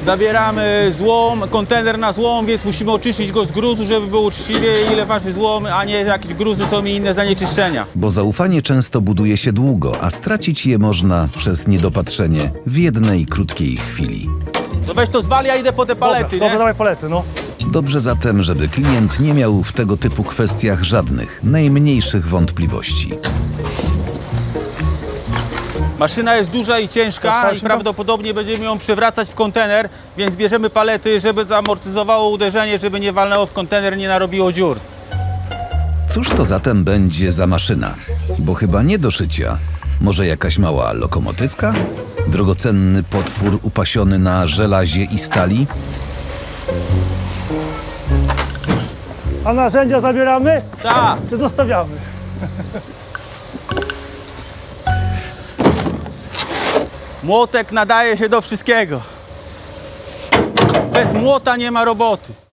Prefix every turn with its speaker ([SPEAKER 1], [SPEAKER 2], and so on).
[SPEAKER 1] Zabieramy złom, kontener na złom, więc musimy oczyścić go z gruzu, żeby było uczciwie, ile waży złom, a nie jakieś gruzy są i inne zanieczyszczenia.
[SPEAKER 2] Bo zaufanie często buduje się długo, a stracić je można przez niedopatrzenie w jednej krótkiej chwili.
[SPEAKER 1] To weź to zwal, ja idę po te palety,
[SPEAKER 3] Dobra,
[SPEAKER 1] nie?
[SPEAKER 3] dawaj palety, no.
[SPEAKER 2] Dobrze zatem, żeby klient nie miał w tego typu kwestiach żadnych, najmniejszych wątpliwości.
[SPEAKER 1] Maszyna jest duża i ciężka
[SPEAKER 3] Otwarcie
[SPEAKER 1] i
[SPEAKER 3] to?
[SPEAKER 1] prawdopodobnie będziemy ją przewracać w kontener, więc bierzemy palety, żeby zamortyzowało uderzenie, żeby nie walnęło w kontener, nie narobiło dziur.
[SPEAKER 2] Cóż to zatem będzie za maszyna? Bo chyba nie do szycia. Może jakaś mała lokomotywka? Drogocenny potwór upasiony na żelazie i stali?
[SPEAKER 3] A narzędzia zabieramy,
[SPEAKER 1] Tak,
[SPEAKER 3] czy zostawiamy?
[SPEAKER 1] młotek nadaje się do wszystkiego. Bez młota nie ma roboty.